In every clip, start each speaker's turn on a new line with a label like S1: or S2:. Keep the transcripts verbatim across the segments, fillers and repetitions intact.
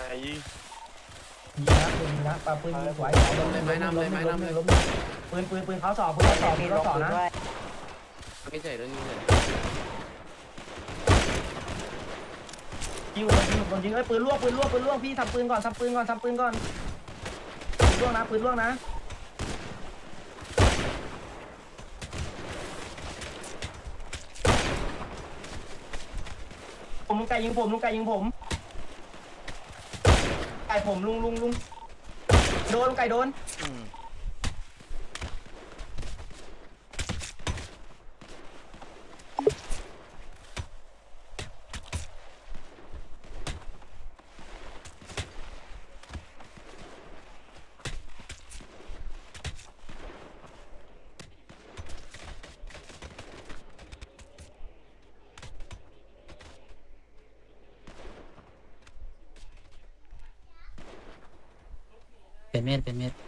S1: ยิง
S2: ยิงนะปืนยิงนะปาปืนยิงสวยล้มเลยไม้น้ำเลยไม้น้ำเลยล้มปืนปืนปืนเขาสอบปืนเขาสอบปืนเขาสอบนะไม่ใช่เรื่องนี้เลยยิงโดนยิงโดนยิงไอ้ปืนล่วงปืนล่วงปืนล่วงพี่ทำปืนก่อนทำปืนก่อนทำปืนก่อนปืนล่วงนะปืนล่วงนะผมลุงไก่ยิงผมลุงไก่ยิงผมไก่ผมลุงลุงลุงโดนลุงไก่โดน
S3: เป็นเม็ดเป็นเม็ด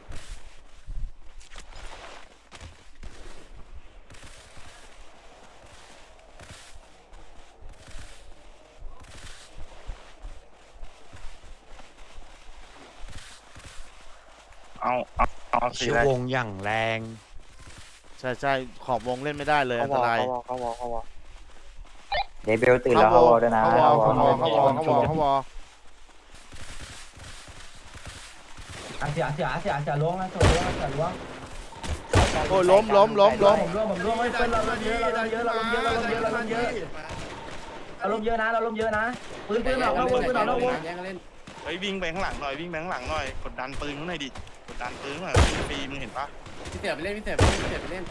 S1: เอาเอาเอาสี
S4: ชื่อ
S1: อะไร
S4: วงอย่างแรง
S5: ใช่ใช่ขอบวงเล่นไม่ได้เลยอันตราย
S1: เขาวอเขาวอ
S6: เดบิวตื่นแล้วเขาวอด้วยนะ
S5: เขาวอเขาวอเขาวอเขาวอเขาวอ
S2: อ่ะเสียเสียเสียเสียล้วงนะเสียล้วงเสียล้วง
S5: โอ้ยล้มล้มล้มล้ม
S2: ผมร่วมผมร่วมไม่เป็นเราล้มเยอะเราล้มเยอะเราล้มเยอะเราล้มเยอะเราล้มเยอะเราล้มเยอะนะเราล้มเยอะนะปืนปืนออกนอกวงปืนออกนอกวง
S1: เฮ้ยวิ่งไปข้างหลังหน่อยวิ่งไปข้างหลังหน่อยกดดันปืนข้างในดิกดดันปืนข้างหลังปีมึงเห็นปะ
S7: พี่เต๋อไปเล่นพี่เต๋อไปเล่นพี่เต๋อไปเล่น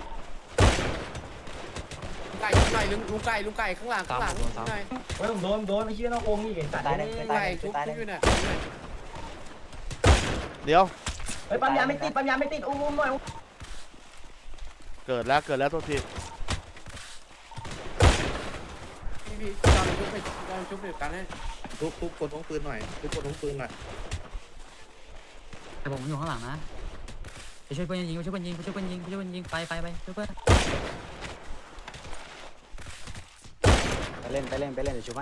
S7: ลุงไก่ลุงไก่ลุงไก่ลุงไก่ข้างหลังข้างหลังลุงไก่
S2: เฮ้ยผมโดนโดนไอ้เชี่ยนอกวงนี่ไอ้สัตว์
S6: ตายหนึ่ง
S7: ลุง
S6: ตาย
S7: ไก่
S6: หนึ่ง
S7: ชุบ
S6: ตายห
S7: ชุ
S6: นึ่ง
S7: บอยู่น่ะ
S5: เดี๋ยว
S2: เฮ้ยปั๊มยาไม่ติดปั๊มยาไม่ติดอุ้มอุ้มหน่อย
S5: เกิดแล้วเกิดแล้วโทษที
S7: พี่พี่จอมชุบไปจอมชุบเดี๋ยวกันให้
S8: ทุบทุบกดท้องปืนหน่อยทุบกดท้องปืนหน่อย
S3: แต่ผมอยู่ข้างหลังนะไปช่วยเพื่อนยิงไปช่วยเพื่อนยิงไปช่วยเพื่อนยิงไปช่วยเพื่อนยิงไปไปไปช่วยเพื่อน
S6: ไปเล่นไปเล่นไปเล่นเดี๋ยวช่วยให้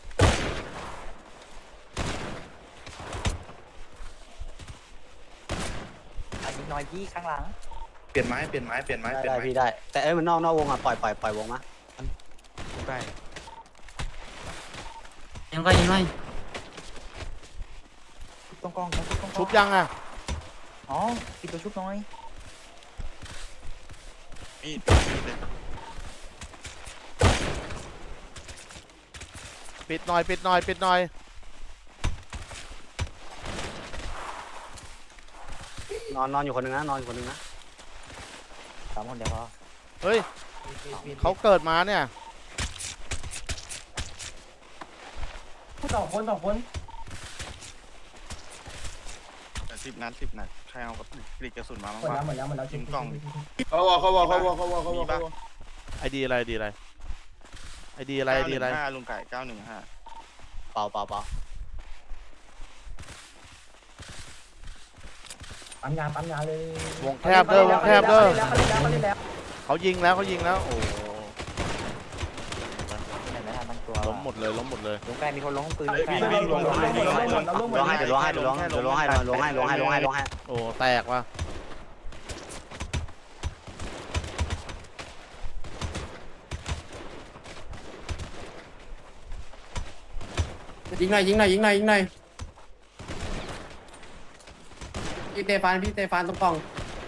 S6: ยิงน้อยยี่ข้างหลัง
S8: เปลี่ยนไม้เปลี่ยนไม้เปลี่ยนไม้
S6: ได้
S8: เปลี่ยน
S6: ได้
S8: ไม้
S6: พี่ได้แต่เอ้ยมันนอกนอกวงอ่ะปล่อยปล่อยปล่อยวงมา
S4: ได้
S3: ยังก็ยิงหน่อย
S6: ต้องกล้องต้องกล้อง
S5: ชุบยังอ่ะ
S6: อ๋อปิดตัวชุบน้อย
S1: มีดมีดเลย
S5: ปิดหน่อยปิดหน่อยปิดหน่อย
S6: นอนนอนอยู่คนหนึ่งนะนอนอยู่คนหนึ่งนะสามคนเดี๋ยวพอ
S5: เฮ้ยเขาเกิดมาเนี่ย
S2: สองคนสองคน
S1: สิบนัดสิบนัดใครเอากับกรีดกระสุนมาบ้าง
S2: หมดแล้ว
S1: วะ
S2: หมดแล้วหมดแล้ว
S1: ยิงกล่อง
S8: เขาวอเขาวอเขาวอเขาวอเขาวอ
S1: มีปะ
S5: ไอดีอะไรไอดีอะไรไอดีอะไรไอดีอะไร
S1: เก้าหนึ่งห้าลุงไก่เก้าหนึ่งห้า
S6: เปล่าเปล่าเปล่า
S2: ปั๊มยาปั๊มยาเลยว
S5: งแคบเด้อวงแคบเด้อ
S2: เขาเล่นแล้วเขาเล่นแล้ว
S5: เขายิงแล้วเขายิงแล้วโอ้โห
S6: เห็นไหมทันตั้งตัว
S5: ล้มหมดเลยล้มหมดเลย
S6: ลงใกล้มีคนลงปืน
S1: วิ่งวิ่งลงลงลงลงลง
S2: เราลงหมด
S6: ลงให้เดี๋ยวลงให้เดี๋ยวลงเดี๋ยวลงให้ลงให้ลงให้ลงให้ลงให้
S5: โอ้แตกว่ะ
S7: ยิงหน่อยยิงหน่อยยิงหน่อยยิงหน่อยพี่เตฟานพี่เตฟานตรงกล่อง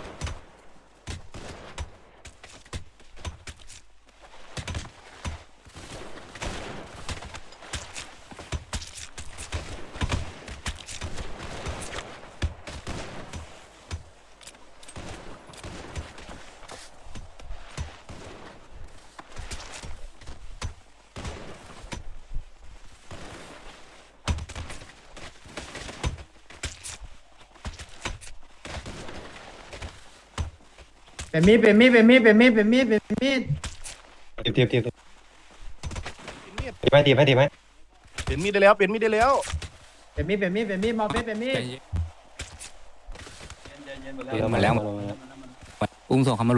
S2: เป็นมีดเป็นมีดเป็นมีดเป็นมีดเป็นมีดเป็นมีด
S9: ตีบตีบตีบตีบไหมตีบไหมตีบไหม
S8: เปลี่ยนมีดได้แล้วเปลี่ยนมีดได้แล้ว
S2: เป็นมีดเป็นมีดเป็นมีดมอเฟสเป็นมีด
S9: ตีบมาแล้ว
S3: อุ้มส่งเขามา